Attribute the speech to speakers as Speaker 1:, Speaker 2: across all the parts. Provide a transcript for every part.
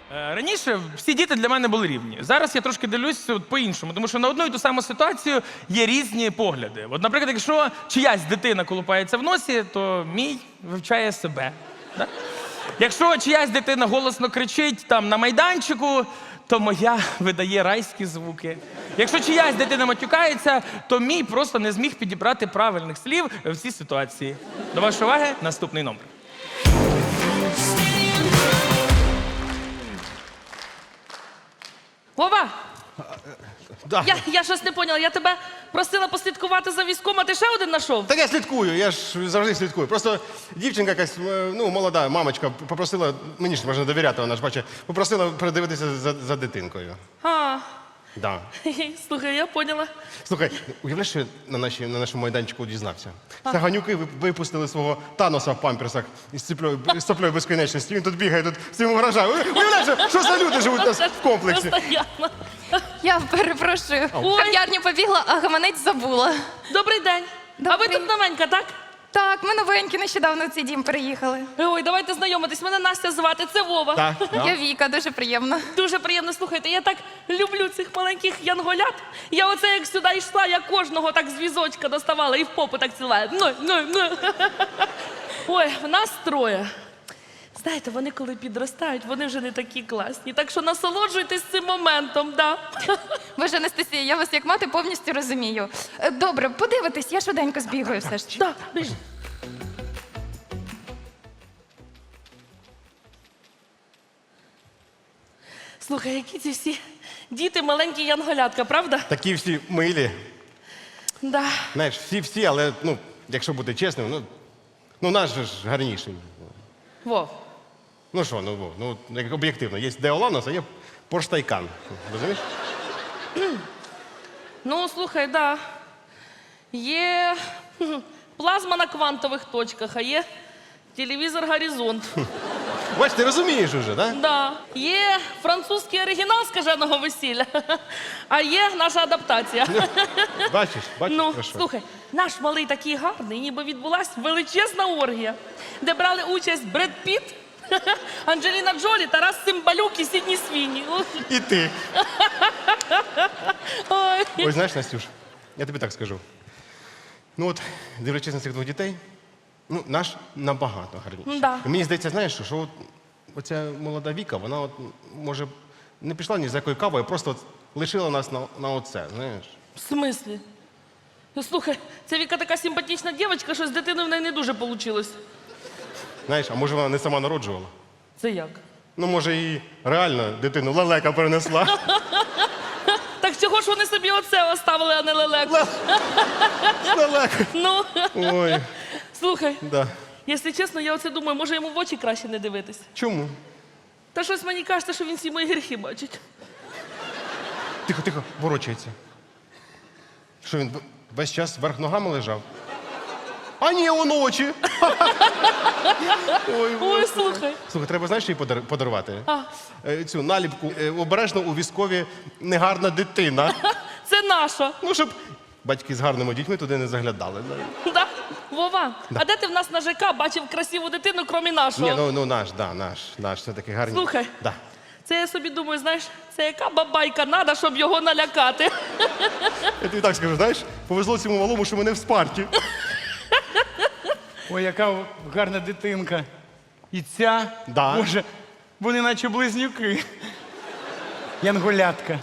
Speaker 1: Раніше всі діти для мене були рівні. Зараз я трошки дивлюсь по-іншому, тому що на одну і ту саму ситуацію є різні погляди. От, наприклад, якщо чиясь дитина колупається в носі, то мій вивчає себе. Да? Якщо чиясь дитина голосно кричить там на майданчику, то моя видає райські звуки. Якщо чиясь дитина матюкається, то мій просто не зміг підібрати правильних слів в цій ситуації. До вашої уваги наступний номер.
Speaker 2: Вова,
Speaker 3: Да.
Speaker 2: я щось не поняла. Я тебе просила послідкувати за військом, а ти ще один знайшов?
Speaker 3: Так я слідкую, я ж завжди слідкую. Просто дівчинка якась, ну, молода мамочка попросила, мені ж можна довіряти, вона ж бачить, попросила передивитися за дитинкою.
Speaker 2: А,
Speaker 3: Да.
Speaker 2: слухай, я поняла.
Speaker 3: Слухай, уявляєш, що я на нашому майданчику дізнався? Саганюки випустили свого Таноса в памперсах із соплею безконечності. Він тут бігає, тут всім вражає. Уявляєш, що за люди живуть у нас в комплексі?
Speaker 2: Постоянно.
Speaker 4: Я перепрошую.
Speaker 2: Ой.
Speaker 4: В кав'ярню побігла, а гаманець забула.
Speaker 2: Добрий день. А ви
Speaker 4: Добрий.
Speaker 2: тут новенька, так?
Speaker 4: Так, ми новенькі, нещодавно в цей дім переїхали.
Speaker 2: Ой, давайте знайомитись. Мене Настя звати, це Вова.
Speaker 3: Так,
Speaker 4: Я Віка, дуже приємно.
Speaker 2: Дуже приємно, слухайте. Я так люблю цих маленьких янголят. Я оце як сюди йшла, я кожного так з візочка доставала і в попу так цілую. Ну. Ой, в нас троє. Знаєте, вони коли підростають, вони вже не такі класні. Так що насолоджуйтесь цим моментом, да.
Speaker 4: Боже, Анастасія, я вас як мати повністю розумію. Добре, подивитись, я швиденько збігаю все ж.
Speaker 2: Да, біж. Слухай, які ці всі діти маленькі янголятка, правда?
Speaker 3: Такі всі милі.
Speaker 2: Да.
Speaker 3: Знаєш, всі, але, ну, якщо бути чесним, ну наш же ж гарніший.
Speaker 2: Вов.
Speaker 3: Ну що, як об'єктивно, є Деоланос, а є Порш Тайкан. Розумієш?
Speaker 2: Ну, слухай, да. Є плазма на квантових точках, а є телевізор «Горизонт».
Speaker 3: Бач, ти розумієш уже, так?
Speaker 2: Да. Є французький оригінал «Скаженого весілля», а є наша адаптація.
Speaker 3: Бачиш,
Speaker 2: Ну,
Speaker 3: про що?
Speaker 2: слухай, наш малий такий гарний, ніби відбулась величезна оргія, де брали участь Бред Піт, Анджеліна Джолі, Тарас Цимбалюк і Сідні Свіні.
Speaker 3: І ти.
Speaker 2: Ой.
Speaker 3: Ой, знаєш, Настюш, я тобі так скажу. Ну от, дивлячись на цих двох дітей, ну, наш набагато гарніший.
Speaker 2: Да.
Speaker 3: І мені здається, знаєш, що от, оця молода Віка, вона от, може, не пішла ні за якою кавою, просто от лишила нас на оце, знаєш.
Speaker 2: В смислі? Ну, слухай, ця Віка така симпатична дівчинка, що з дитиною в неї не дуже вийшло.
Speaker 3: Знаєш, а може вона не сама народжувала?
Speaker 2: Це як?
Speaker 3: Ну, може, і реально дитину лелека перенесла.
Speaker 2: Так чого ж вони собі оце оставили, а не лелеку?
Speaker 3: Лелека.
Speaker 2: Ну,
Speaker 3: Ой,
Speaker 2: слухай,
Speaker 3: да.
Speaker 2: якщо чесно, я оце думаю, може йому в очі краще не дивитись.
Speaker 3: Чому?
Speaker 2: Та щось мені кажеться, що він всі мої гріхи бачить.
Speaker 3: Тихо, ворочається. Що він весь час вверх ногами лежав? А ні, он очі.
Speaker 2: Ой, слухай.
Speaker 3: Слухай, треба, знаєш, що їй подарувати?
Speaker 2: А.
Speaker 3: Цю наліпку обережно у військові негарна дитина.
Speaker 2: Це наша.
Speaker 3: Ну, щоб батьки з гарними дітьми туди не заглядали.
Speaker 2: Да? Вова, а де ти в нас на ЖК бачив красиву дитину, крім нашого?
Speaker 3: Ні, ну наш все-таки гарний.
Speaker 2: Слухай.
Speaker 3: Да.
Speaker 2: Це я собі думаю, знаєш, це яка бабайка надо, щоб його налякати.
Speaker 3: Я тобі так скажу, знаєш, повезло цьому малому, що мене в спарті.
Speaker 1: Ой, яка гарна дитинка. І ця,
Speaker 3: Да.
Speaker 1: Боже, вони наче близнюки. Янголятка.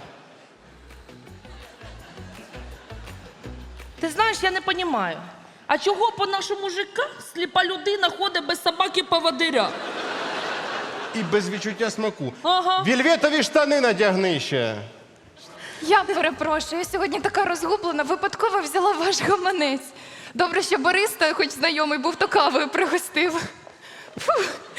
Speaker 2: Ти знаєш, я не розумію. А чого по нашому ЖК сліпа людина ходить без собаки-поводиря?
Speaker 3: І без відчуття смаку.
Speaker 2: Ага.
Speaker 3: Вільветові штани надягни ще.
Speaker 4: Я перепрошую, я сьогодні така розгублена, випадково взяла ваш гаманець. Добре, що бариста, хоч знайомий був, то кавою пригостив. Фу.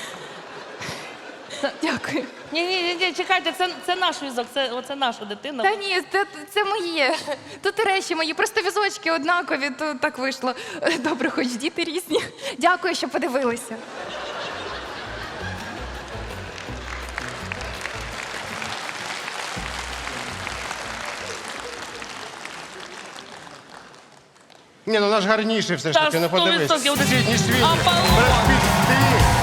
Speaker 4: Дякую.
Speaker 2: Ні, чекайте, це наш візок, це наша дитина.
Speaker 4: Та ні, це моє. Тут і речі мої, просто візочки однакові, то так вийшло. Добре, хоч діти різні. Дякую, що подивилися.
Speaker 3: Ні, ну наш гарніший все ж
Speaker 2: Та
Speaker 3: таки, не подивись.
Speaker 2: 100%
Speaker 3: Сідні Свіні.
Speaker 2: Аполлон.
Speaker 3: Бред Піт, ти.